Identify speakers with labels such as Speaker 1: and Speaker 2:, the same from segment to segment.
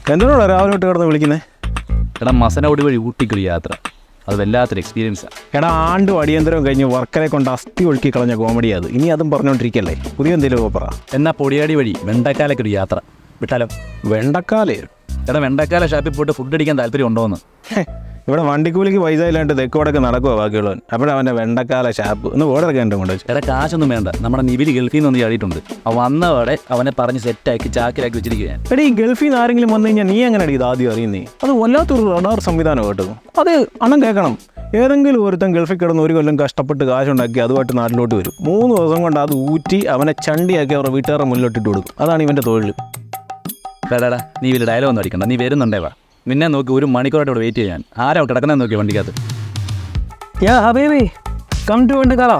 Speaker 1: എന്തിനാണ് രാവിലെ തൊട്ട് കിടന്ന് വിളിക്കുന്നത്?
Speaker 2: എടാ മസനോടി വഴി ഊട്ടിക്കൊരു യാത്ര, അത് വല്ലാത്തൊരു എക്സ്പീരിയൻസാണ്.
Speaker 1: എടാ ആണ്ടും അടിയന്തരവും കഴിഞ്ഞ് വർക്കറെ കൊണ്ട് അസ്ഥി ഒഴുക്കി കളഞ്ഞ കോമഡി അത്. ഇനി അതും പറഞ്ഞുകൊണ്ടിരിക്കല്ലേ? പുതിയ എന്തെങ്കിലും പറ.
Speaker 2: എന്നാൽ പൊടിയാടി വഴി വെണ്ടക്കാലൊക്കെ യാത്ര വിട്ടാലോ?
Speaker 1: വെണ്ടക്കാലേ?
Speaker 2: എടാ വെണ്ടക്കാല ഷാപ്പിൽ പോയിട്ട് ഫുഡ് അടിക്കാൻ താല്പര്യം ഉണ്ടോയെന്ന്.
Speaker 1: ഇവിടെ വണ്ടിക്കൂലിക്ക് പൈസ ഇല്ലാണ്ട് തെക്കോടൊക്കെ നടക്കുമോ ബാക്കിയുള്ളവൻ? അപ്പോഴവൻ്റെ വെണ്ടക്കാല ഷാപ്പ് ഒന്ന് ഓർഡറൊക്കെ എൻ്റെ കൊണ്ട് വെച്ചു.
Speaker 2: എടാ കാശൊന്നും വേണ്ട, നമ്മുടെ നിവിൽ ഗൾഫിൽ നിന്ന് ചാടിയിട്ടുണ്ട്. വന്നവടെ അവനെ പറഞ്ഞ് സെറ്റാക്കി ചാക്കിലാക്കി വെച്ചിരിക്കുകയാണ്.
Speaker 1: എടാ ഈ ഗൾഫിൽ നിന്ന് ആരെങ്കിലും വന്നു കഴിഞ്ഞാൽ നീ എങ്ങനെ ഇത് ആദ്യം അറിയുന്നേ? അത് വല്ലാത്തൊരു റഡാർ സംവിധാനം കേട്ടോ. അത് അണ്ണം കേൾക്കണം. ഏതെങ്കിലും ഒരുത്തൻ ഗൾഫിൽ കിടന്ന് ഒരു കൊല്ലം കഷ്ടപ്പെട്ട് കാശുണ്ടാക്കി അതുമായിട്ട് നാട്ടിലോട്ട് വരും. 3 ദിവസം കൊണ്ട് അത് ഊറ്റി അവനെ ചണ്ടിയാക്കി അവരുടെ വീട്ടുകാരുടെ മുന്നിലോട്ടിട്ട് കൊടുക്കും. അതാണ് ഇവൻ്റെ തൊഴിൽ.
Speaker 2: എടാ നീ വലിയ ഡയലോഗ് ഒന്നും അടിക്കണ്ട, നീ വരുന്നുണ്ടേവാ. നിന്നെ നോക്കി 1 മണിക്കൂറായിട്ട് ഇവിടെ വെയിറ്റ് ചെയ്യാൻ. ആരാ കിടക്കുന്നത് നോക്കി വണ്ടിക്കകത്ത്.
Speaker 3: യാ ഹബീബി കം ടു വെണ്ടക്കാല.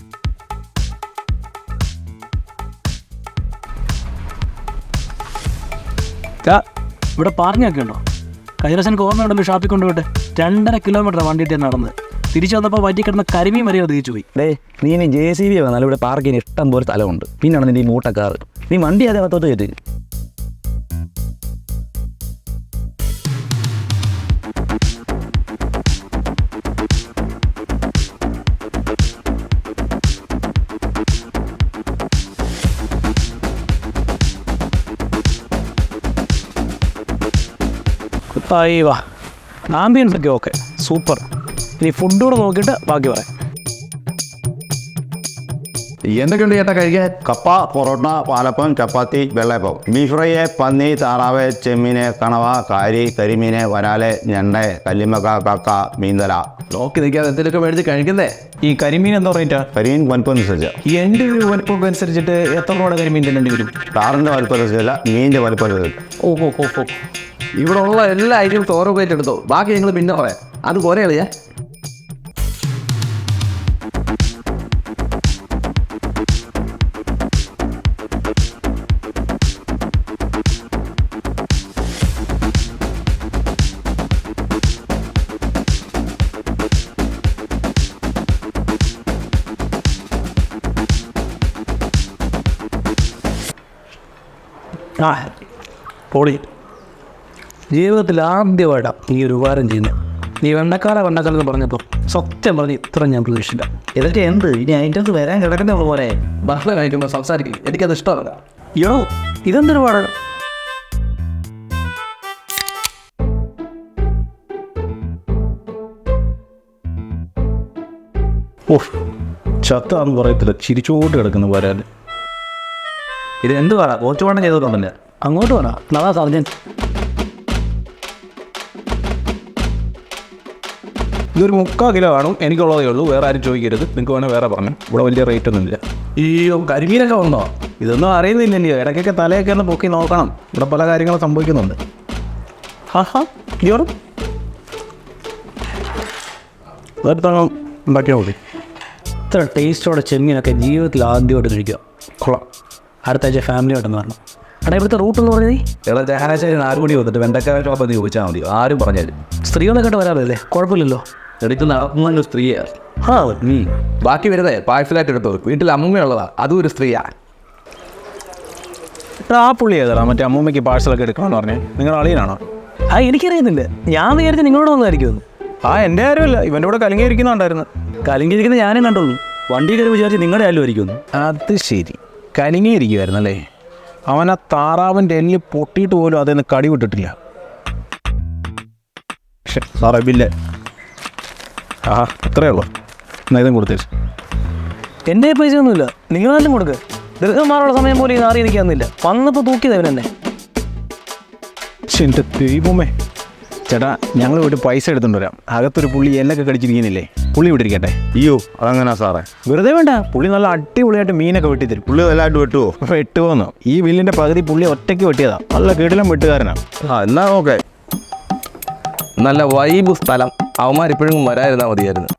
Speaker 3: ഇവിടെ പാർക്കിങ്ങൊക്കെ ഉണ്ടോ? കഴിഞ്ഞ ദിവസം എനിക്ക് ഓർമ്മയുണ്ടല്ലോ ഷാപ്പിൽ കൊണ്ടുപോയിട്ട് 2.5 കിലോമീറ്റർ വണ്ടിയിട്ട് നടന്ന് തിരിച്ചു വന്നപ്പോൾ വറ്റി കിടന്ന കരിമീൻ വരെയോ തിരിച്ചു പോയി.
Speaker 2: നീ ഇനി JCB വന്നാൽ ഇവിടെ പാർക്കിന് ഇഷ്ടം പോലെ സ്ഥലമുണ്ട്. പിന്നെയാണ് നിന്റെ ഈ മൂട്ടക്കാറ്. നീ വണ്ടി അതേ അകത്തോട്ട് കയറ്റി.
Speaker 3: വാ ആംബിയൻസ് ഒക്കെ ഓക്കെ സൂപ്പർ. ഇനി ഫുഡ് കൂടെ നോക്കിയിട്ട് ബാക്കി പറയാം.
Speaker 4: എന്തൊക്കെയുണ്ട് ചേട്ടാ കഴിക്കാൻ? കപ്പ, പൊറോട്ട, പാലപ്പം, ചപ്പാത്തി, വെള്ളയപ്പം, ബീഫ് ഫ്രൈ, പന്നി, താറാവ്, ചെമ്മീന്, കണവ, കാരി, കരിമീന്, വരാല്, ഞണ്ട്, കല്ലിമക്ക, കക്ക, മീന്തല.
Speaker 5: നോക്കി നിൽക്കാതെ എന്തെങ്കിലുമൊക്കെ മേടിച്ച് കഴിക്കുന്നേ.
Speaker 1: ഈ കരിമീൻ എന്താ റേറ്റാ?
Speaker 4: കരിമീൻ വലുപ്പം അനുസരിച്ച്.
Speaker 1: എൻ്റെ ഒരു വലുപ്പം അനുസരിച്ചിട്ട് എത്ര രൂപയുടെ കരിമീൻ തിന്നേണ്ടി വരും?
Speaker 4: താറിൻ്റെ വലുപ്പം അനുസരിച്ചല്ല, മീനിൻ്റെ വലുപ്പം അനുസരിച്ച്.
Speaker 5: ഓ ഇവിടെ ഉള്ള എല്ലാ ഐറ്റംസും ഓരോ പ്ലേറ്റ് എടുത്തോ, ബാക്കി ഞങ്ങൾ പിന്നെ പറയാം. അത് പോരെ കളിയാ.
Speaker 3: ആ പൊളി. ജീവിതത്തിൽ ആദ്യമായിട്ടാണ് നീ ഒരു ഉപകാരം ചെയ്യുന്നത്. നീ വെണ്ടക്കാല എന്ന് പറഞ്ഞപ്പോൾ സത്യം പറഞ്ഞ് ഇത്ര ഞാൻ പ്രതീക്ഷിച്ചില്ല.
Speaker 2: ഇതൊക്കെ എന്ത് ഇനി ഐറ്റംസ് വരാൻ കിടക്കുന്ന പോലെ
Speaker 5: ഭക്ഷണം കഴിക്കുമ്പോൾ സംസാരിക്കും, എനിക്കത് ഇഷ്ടമല്ല.
Speaker 3: യോ ഇതെന്തൊരു പാടാണ്.
Speaker 1: ഓഹ് ചത്താന്ന് പറയത്തില്ല, ചിരിച്ചോട്ട് കിടക്കുന്ന വരാൻ.
Speaker 2: ഇത് എന്ത് പറ കുറച്ച് വണ്ണം ചെയ്തിട്ടുണ്ടല്ലേ?
Speaker 3: അങ്ങോട്ട് വേണ നവാ സർജൻ.
Speaker 1: ഇതൊരു 3/4 കിലോ കാണും, എനിക്കുള്ളതേ ഉള്ളൂ. വേറെ ആരും ചോദിക്കരുത്. നിങ്ങൾക്ക് വേണേൽ വേറെ പറഞ്ഞു. ഇവിടെ വലിയ റേറ്റ് ഒന്നുമില്ല.
Speaker 5: അയ്യോ കരിമീനൊക്കെ വന്നോ?
Speaker 1: ഇതൊന്നും അറിയുന്നില്ലല്ലോ. ഇടയ്ക്കൊക്കെ തലയൊക്കെ ഒന്ന് പൊക്കി നോക്കണം. ഇവിടെ പല കാര്യങ്ങളും സംഭവിക്കുന്നുണ്ട്. ജോറും അതെടുത്തങ്ങ് ഉണ്ടാക്കിയാൽ മതി.
Speaker 3: ഇത്ര ടേസ്റ്റോടെ ചെമ്മീനൊക്കെ ജീവിതത്തിൽ ആദ്യമായിട്ട് കഴിക്കുക. കൊള്ളാം. അടുത്ത ആഴ്ച ഫാമിലിയായിട്ടൊന്ന് വരണം. എടാ ഇവിടുത്തെ റൂട്ട് എന്ന് പറഞ്ഞത്
Speaker 2: എടാ ചങ്ങനാശ്ശേരി 4 മണി വന്നിട്ട് വെണ്ടക്കാല ഷോപ്പ് എന്ന് ചോദിച്ചാൽ മതി, ആരും പറഞ്ഞാലും.
Speaker 3: സ്ത്രീകളൊക്കെ ആയിട്ട് വരാറില്ലേ? കുഴപ്പമില്ലല്ലോ.
Speaker 2: എടുത്ത് നടത്തുന്ന സ്ത്രീയാണ്.
Speaker 5: ബാക്കി വരുന്നേ പാഴ്സലായിട്ട് എടുത്തോ. വീട്ടിൽ അമ്മയുള്ളതാ, അതും ഒരു സ്ത്രീയാ.
Speaker 1: ആ പുള്ളി ഏതാ മറ്റേ അമ്മൂമ്മയ്ക്ക് പാഴ്സലൊക്കെ എടുക്കണമെന്ന് പറഞ്ഞേ? നിങ്ങളുടെ അളിയനാണോ?
Speaker 3: എനിക്കറിയുന്നില്ല. ഞാൻ വിചാരിച്ചു നിങ്ങളോട് വന്നായിരിക്കുമെന്ന്.
Speaker 1: എൻ്റെ ആരുമല്ല, ഇവൻ്റെ കൂടെ കലങ്ങിയിരിക്കുന്നുണ്ടായിരുന്നു.
Speaker 3: കലിങ്കിരിക്കുന്ന ഞാനും കണ്ടുള്ളൂ. വണ്ടി കയറി വിചാരിച്ച് നിങ്ങളുടെ ആരും ആയിരിക്കുമെന്ന്.
Speaker 1: അത് ശരി, കലങ്ങിയിരിക്കുമായിരുന്നല്ലേ? അവൻ ആ താറാവിൻ്റെ എല്ല് പൊട്ടിയിട്ട് പോലും അതിൽ കടി വിട്ടിട്ടില്ല. സാറേ ബില്ല്. അത്രയേ ഉള്ളൂ. എന്നാൽ ഇതും കൊടുത്തേച്ചു.
Speaker 3: എൻ്റെ പൈസ ഒന്നുമില്ല, നിങ്ങൾ തന്നെ കൊടുക്കുക. ദീർഘമാറുള്ള സമയം പോലും ഇത് അറിയിരിക്കാന്നില്ല. വന്നപ്പോൾ തൂക്കിയത് അവനെന്നെ.
Speaker 1: എൻ്റെ ദൈവമേ. ചേട്ടാ ഞങ്ങൾ പോയിട്ട് പൈസ എടുത്തുകൊണ്ട് വരാം. അകത്തൊരു പുള്ളി എല്ലൊക്കെ കടിച്ചിരിക്കുന്നില്ലേ, പുള്ളി ഇവിടെ ഇരിക്കട്ടെ.
Speaker 4: അയ്യോ അതെങ്ങനെയാ സാറേ?
Speaker 1: വെറുതെ വേണ്ട, പുള്ളി നല്ല അടിപൊളിയായിട്ട് മീനൊക്കെ വെട്ടിത്തരും.
Speaker 4: പുള്ളി വല്ലായിട്ട് വെട്ടുവോ?
Speaker 1: വെട്ടുപോന്നോ? ഈ ബില്ലിൻ്റെ പകുതി പുള്ളി ഒറ്റയ്ക്ക് വെട്ടിയതാ. നല്ല കിടിലം വെട്ടുകാരനാണ്.
Speaker 4: എന്നാ ഓക്കെ.
Speaker 5: നല്ല വൈബ് സ്ഥലം. അവന്മാരിപ്പോഴും വരാതിരുന്നാൽ മതിയായിരുന്നു.